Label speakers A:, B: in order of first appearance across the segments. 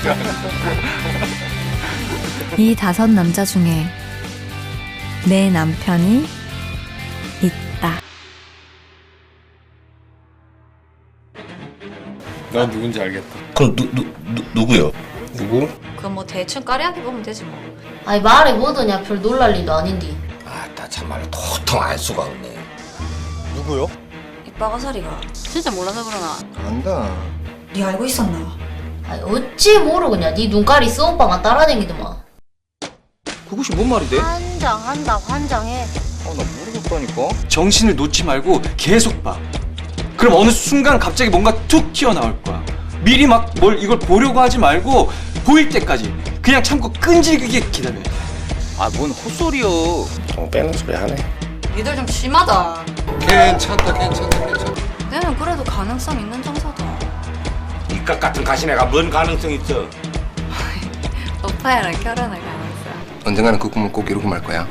A: 이 5 남자 중에 내 남편이 있다.
B: 난 누군지 알겠다.
C: 그럼 누구요?
B: 누구?
D: 그럼 뭐 대충 까리하게 보면 되지 뭐.
E: 아니 말해 뭐더냐 별 놀랄 일도 아닌데.
C: 나 참말로 도통 알 수가 없네.
B: 누구요?
D: 이 빠가사리가 진짜 몰라서 그러나.
B: 안다.
D: 네 알고 있었나?
E: 아니 어찌 모르겠냐. 네 눈깔이 쏘오빠가 따라다니더만.
F: 그것이 뭔 말이 돼?
E: 환장한다 환장해.
F: 나 모르겠다니까. 정신을 놓지 말고 계속 봐. 그럼 어느 순간 갑자기 뭔가 툭 튀어나올 거야. 미리 막 뭘 이걸 보려고 하지 말고 보일 때까지 그냥 참고 끈질기게 기다려야 돼. 뭔 헛소리여.
C: 빼는 소리 하네.
D: 니들 좀 심하다.
B: 괜찮다.
D: 내는 그래도 가능성 있는 정서다.
C: 이깟 같은 가시네가 뭔 가능성 있어?
D: 오빠랑 결혼할 가능성.
B: 언젠가는 그 꿈을 꼭 이루고 말 거야.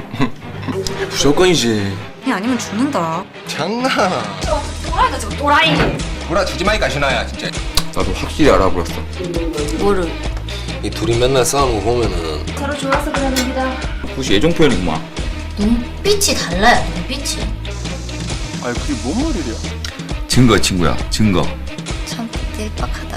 F: 무조건이지.
D: 니 아니면 죽는다.
B: 장난.
D: 또라이다 저거 또라이.
B: 보라 주지 마이 가시나야 진짜. 나도 확실히 알아버렸어.
D: 뭐를?
B: 이 둘이 맨날 싸우는 거 보면은
D: 서로 좋아서 그러는 기다.
F: 그것이 애정 표현이구만.
E: 눈빛이 달라요 눈빛이.
F: 아니 그게 뭔 말이야?
G: 증거 친구야 증거.
D: 참 딜박하다.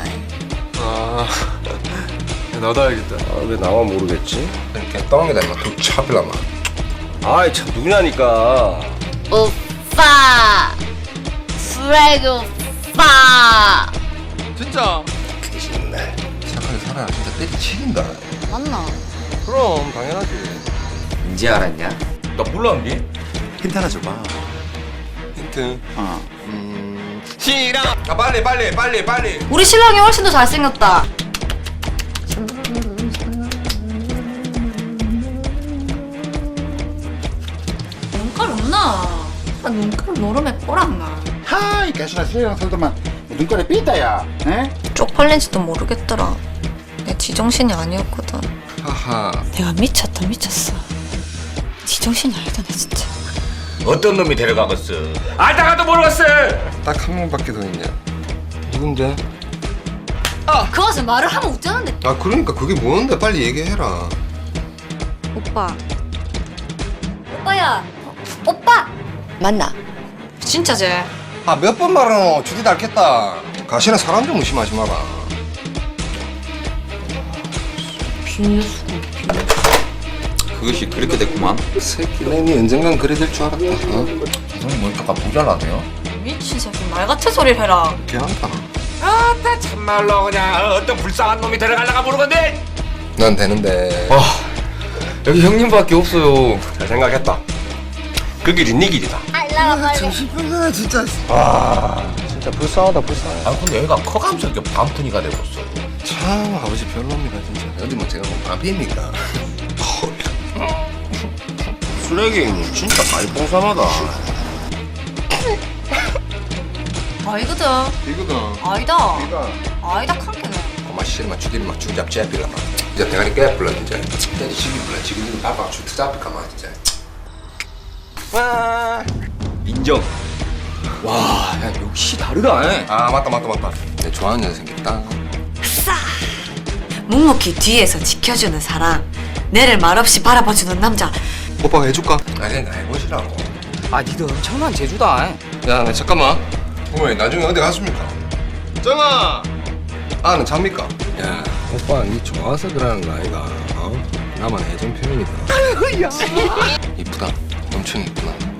B: 나도 알겠다.
C: 왜 나만 모르겠지? 이렇게 떠넘기다 임마 툭 차필라마.
F: 아이 참 누구냐니까.
E: 오빠 쓰레기 오빠.
B: 진짜.
C: 그게 싫네.
B: 착하게 살아야 진짜 때리치긴다.
E: 맞나?
B: 그럼 당연하지.
G: 이제 알았냐?
F: 나 몰랐니? 힌트 하나 줘봐.
B: 힌트.
F: 어.
B: 싫어. 빨리.
D: 우리 신랑이 훨씬 더 잘생겼다. 눈깔 없나? 눈깔 노름에 꼬랐나?
H: 하이 가시나 수혜랑 살더만 눈깔에 삐다야. 에?
D: 쪽팔린지도 모르겠더라. 내 지정신이 아니었거든.
B: 하하.
D: 내가 미쳤어. 지정신이 아니더네 진짜.
C: 어떤 놈이 데려가겠어? 알다가도 모르겠어.
B: 딱 한 명밖에 더 있냐? 누군데?
D: 그것은 말을 하면 웃자는데.
B: 그러니까 그게 뭔데? 빨리 얘기해라.
D: 오빠야. 오빠. 맞나? 진짜 쟤.
B: 몇 번 말하노? 주디 닳겠다. 가시나 사람 좀 의심하지 마라.
G: 그것이 그렇게 됐구만.
B: 새끼네, 니 언젠간 그래 될 줄 알았다.
C: 형님 뭐 약간 모자라네요?
D: 미친 새끼 말 같은 소리를 해라.
B: 걔한다.
C: 나 참말로 그냥 어떤 불쌍한 놈이 데려가려가 모르겠네.
B: 난 되는데.
F: 여기 형님밖에 없어요.
C: 잘 생각했다.
F: 그 길이 네 길이다.
B: 정신병자야 진짜.
C: 진짜 불쌍하다. 근데 얘가 커가면서 이렇게 반푼이가 되고 있어.
B: 참 아버지 별로입니다 진짜. 어디 뭐 제가 뭐 반피입니까?
C: 쓰레기 진짜 많이 뽕삼하다.
D: 아이거든.
B: 이거다.
D: 아니다.
B: 이거.
D: 아니다 칸게네.
B: 엄마 씨름아 주디를 막 주잡 째필라마. 진짜 대가리 깨불라 진짜. 진짜 시기불라. 지금 이거 바빠 주 투잡힐까마 진짜.
F: 인정. 와, 야 역시 다르다.
B: 맞다. 내 좋아하는 여자 생겼다.
D: 묵묵히 뒤에서 지켜주는 사람. 내를 말없이 바라봐주는 남자.
B: 오빠가 해줄까? 아니 나 해보시라고.
F: 니도 엄청난 재주다.
B: 야, 나 잠깐만. 어머니 나중에 어디 갔습니까? 정아. 는 잡니까? 야, 오빠 니 좋아서 그러는 거 아이가? 나만 애정 표현이다. 이쁘다. 엄청 이쁘다.